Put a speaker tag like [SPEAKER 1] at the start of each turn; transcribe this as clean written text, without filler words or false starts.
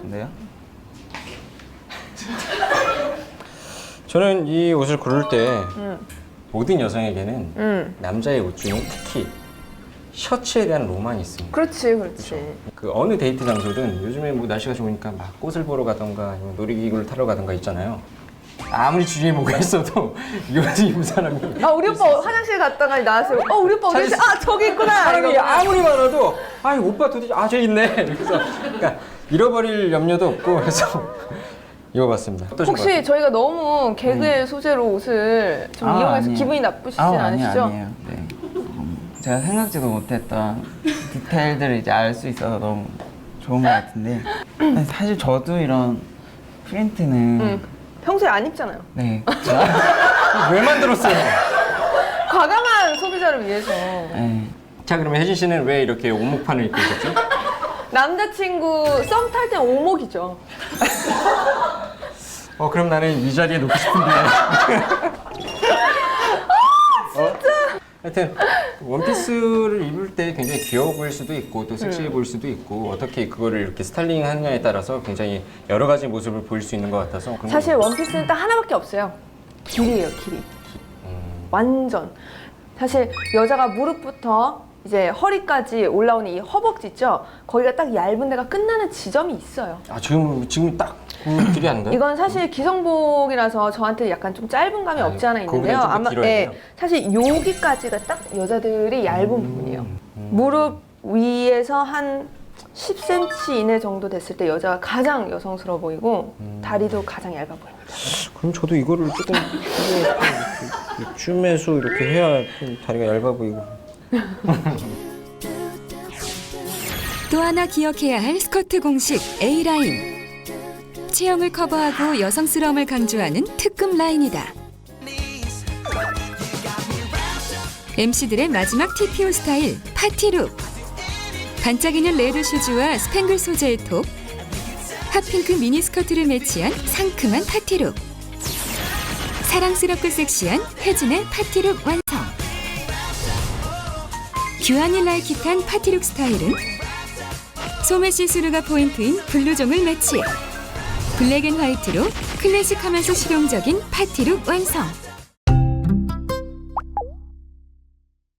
[SPEAKER 1] 같은데요?
[SPEAKER 2] 저는 이 옷을 고를 때 모든 여성에게는 남자의 옷 중에 특히 셔츠에 대한 로망이 있습니다.
[SPEAKER 3] 그렇지, 그렇지.
[SPEAKER 2] 그 어느 데이트 장소든 요즘에 뭐 날씨가 좋으니까 막 꽃을 보러 가던가 아니면 놀이기구를 타러 가던가 있잖아요. 아무리 주위에 뭐가 있어도 이 옷을 입은 사람이
[SPEAKER 3] 우리 오빠 화장실 갔다가 나왔어요. 우리 오빠 어디 있어? 저기 있구나.
[SPEAKER 2] 사람이
[SPEAKER 3] 이거.
[SPEAKER 2] 아무리 많아도 오빠 도대체 저기 있네. 그래서 그러니까 잃어버릴 염려도 없고 그래서 입어봤습니다. 어떠신 것
[SPEAKER 3] 혹시
[SPEAKER 2] 같아요?
[SPEAKER 3] 저희가 너무 개그의 소재로 옷을 좀 이용해서
[SPEAKER 1] 아니에요.
[SPEAKER 3] 기분이 나쁘시진 않으시죠?
[SPEAKER 1] 아니에요. 네. 제가 생각지도 못했던 디테일들을 이제 알 수 있어서 너무 좋은 것 같은데 사실 저도 이런 프린트는
[SPEAKER 3] 평소에 안 입잖아요.
[SPEAKER 1] 네.
[SPEAKER 2] 왜 만들었어요?
[SPEAKER 3] 과감한 소비자를 위해서.
[SPEAKER 1] 네.
[SPEAKER 2] 자 그러면 혜진 씨는 왜 이렇게 오목판을 입고 있었죠?
[SPEAKER 3] 남자친구 썸 탈 땐 오목이죠.
[SPEAKER 2] 그럼 나는 이 자리에 놓고 싶은데. 진짜. 하여튼 원피스를 입을 때 굉장히 귀여워 보일 수도 있고 또 섹시해 보일 수도 있고 어떻게 그거를 이렇게 스타일링하느냐에 따라서 굉장히 여러 가지 모습을 보일 수 있는 것 같아서 그런
[SPEAKER 3] 사실
[SPEAKER 2] 거-
[SPEAKER 3] 원피스는 딱 하나밖에 없어요. 길이에요, 길이. 완전. 사실 여자가 무릎부터 이제 허리까지 올라오는 이 허벅지 있죠? 거기가 딱 얇은 데가 끝나는 지점이 있어요.
[SPEAKER 2] 지금 딱 그 길이 아닌가요?
[SPEAKER 3] 이건 사실 기성복이라서 저한테 약간 좀 짧은 감이 없지 않아 있는데요.
[SPEAKER 2] 거기는 좀더 길어야 돼요.
[SPEAKER 3] 사실 여기까지가 딱 여자들이 얇은 부분이에요. 무릎 위에서 한 10cm 이내 정도 됐을 때 여자가 가장 여성스러워 보이고 다리도 가장 얇아 보입니다.
[SPEAKER 2] 그럼 저도 이거를 조금 줌해서 이렇게 해야 좀 다리가 얇아 보이고.
[SPEAKER 4] 또 하나 기억해야 할 스커트 공식 A라인. 체형을 커버하고 여성스러움을 강조하는 특급 라인이다. MC들의 마지막 TPO 스타일 파티룩. 반짝이는 레드 슈즈와 스팽글 소재의 톱, 핫핑크 미니스커트를 매치한 상큼한 파티룩. 사랑스럽고 섹시한 혜진의 파티룩 완성. 규안이 라이킷한 파티룩 스타일은 소매 시스루가 포인트인 블루종을 매치. 블랙 앤 화이트로 클래식하면서 실용적인 파티룩 완성.